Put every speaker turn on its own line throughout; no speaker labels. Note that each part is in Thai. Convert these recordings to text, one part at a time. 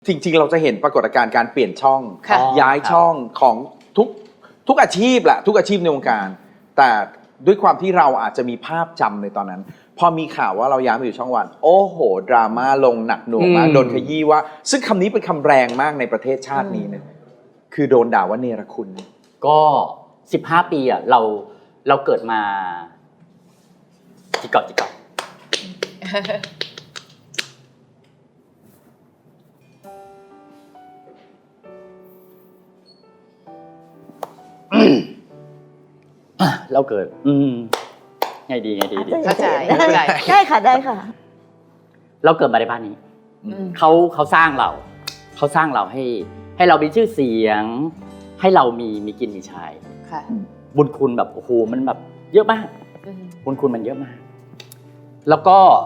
จริงๆเราจะเห็นปรากฏการณ์การเปลี่ยนช่อง
ค่ะ
ย้ายช่องของทุกอาชีพแหละทุกอาชีพในวงการ แต่ด้วยความที่เราอาจจะมีภาพจำในตอนนั้น พอมีข่าวว่าเราย้ายมาอยู่ช่องวัน โอ้โหดราม่าลงหนักหน่วงมากโดนขยี้ว่า ซึ่งคำนี้เป็นคำแรงมากในประเทศชาตินี้นะคือโดนด่าว่าเนรคุณ
ก็15 ปีอ่ะเราเกิดมาจิกก่อนเราเกิดไงดี
เข้าใจ
ได้ค่ะได้ค่ะ
เราเกิดมาในบ้านนี้เขาสร้างเราให้เรามีชื่อเสียง ให้เรามีกินมีใช้
ค่ะ
บุญคุณแบบโอ้โหมันแบบเยอะมากบุญคุณมันเยอะมาก แล้วก็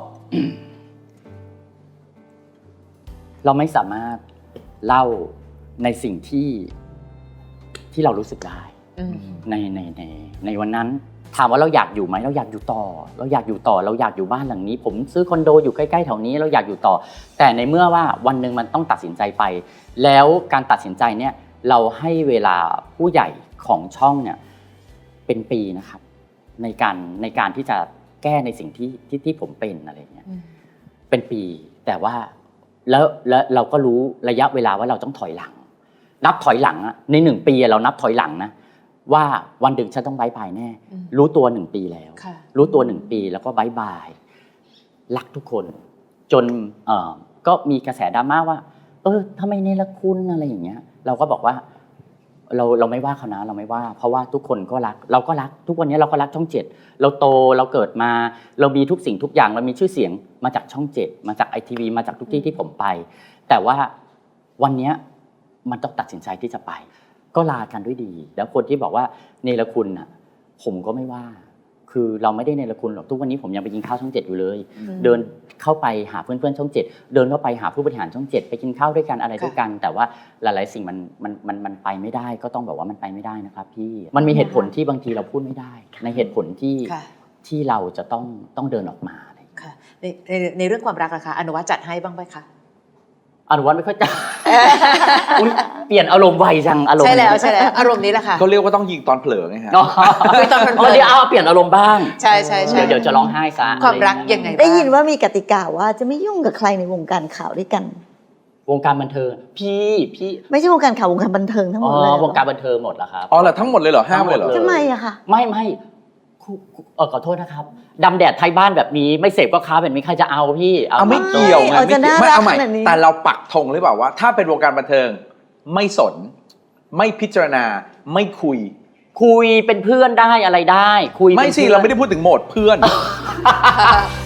เราไม่สามารถเล่าในสิ่งที่เรารู้สึกได้ในวันนั้นถามว่าเราอยากอยู่ไหมเราอยากอยู่ต่อเราอยากอยู่บ้านหลังนี้ ผมซื้อคอนโดอยู่ใกล้ๆแถวนี้เราอยากอยู่ต่อแต่ในเมื่อว่าวันหนึ่งมันต้องตัดสินใจไปแล้วการตัดสินใจเนี่ยเราให้เวลาผู้ใหญ่ของช่องเนี่ยเป็นปีนะครับในการที่จะแก้ในสิ่งที่ผมเป็นอะไรเงี้ยเป็นปีแต่ว่าแล้วเราก็รู้ระยะเวลาว่าเราต้องถอยหลังนับถอยหลังอะใน1 ปีเรานับถอยหลังนะว่าวันหนึ่งฉันต้องบายบายแน่รู้ตัว1 ปีแล้วรู้ตัว1 ปีแล้วก็บายบายรักทุกคนจนก็มีกระแสดราม่าว่าทำไมเนรคุณอะไรอย่างเงี้ยเราก็บอกว่าเราไม่ว่าเขานะเราไม่ว่าเพราะว่าทุกคนก็รักเราก็รักทุกวันนี้เราก็รักช่อง7เราโตเราเกิดมาเรามีทุกสิ่งทุกอย่างเรามีชื่อเสียงมาจากช่อง7มาจากITVมาจากทุกที่ผมไปแต่ว่าวันนี้มันต้องตัดสินใจที่จะไปก็ลากันด้วยดีแล้วคนที่บอกว่าเนรคุณน่ะผมก็ไม่ว่าคือเราไม่ได้เนรคุณหรอกทุกวันนี้ผมยังไปกินข้าวช่อง7อยู่เลยเดินเข้าไปหาเพื่อนๆช่อง7เดินเข้าไปหาผู้บริหารช่อง7ไปกินข้าวด้วยกันอะไรด้วยกันแต่ว่าหลายๆสิ่งมันไปไม่ได้ก็ต้องบอกว่ามันไปไม่ได้นะครับพี่มันมีเหตุผลที่บางทีเราพูดไม่ได้ในเหตุผลที่เราจะต้องเดินออกมา
ค่ะในเรื่องความรักนะคะอนุวัฒน์จัดให้บ้างไหมคะ
อนุวัฒน์ไม่ค่อยจัดเปลี่ยนอารมณ์ไวจังอารมณ์
ใช่แล้วอารมณ์นี้แหละค่ะ
เขาเรียกว่าต้องยิงตอนเผลอไงฮะ
ตอนเพลิน
เดี๋ยวเปลี่ยนอารมณ์บ้าง
ใช่
เดี๋ยวจะร้องไห้ซะ
ความรักยังไง
ได้ยินว่ามีกติกาว่าจะไม่ยุ่งกับใครในวงการข่าวด้วยกัน
วงการบันเทิงพี่
ไม่ใช่วงการข่าววงการบันเทิงทั้งหมดเลยว
งการบันเทิงหมดแล้วครับ
อ๋อเหรอทั้งหมดเลยเหรอห้ามเลยเหรอ
ทำไมอะคะ
ไม่ขอโทษนะครับดำแดดไทยบ้านแบบนี้ไม่เสพก็ค้าแบบนี้ใครจะเอาพี่
เอาไม่เกี่ยวไงไม่เอาใหม่แต่เราปักธงหรือเปล่าว่าถ้าเป็นวงการบันเทิงไม่สนไม่พิจารณาไม่คุย
เป็นเพื่อนได้อะไรได้คุย
ไม่สิเราไม่ได้พูดถึงโหมดเพื่อน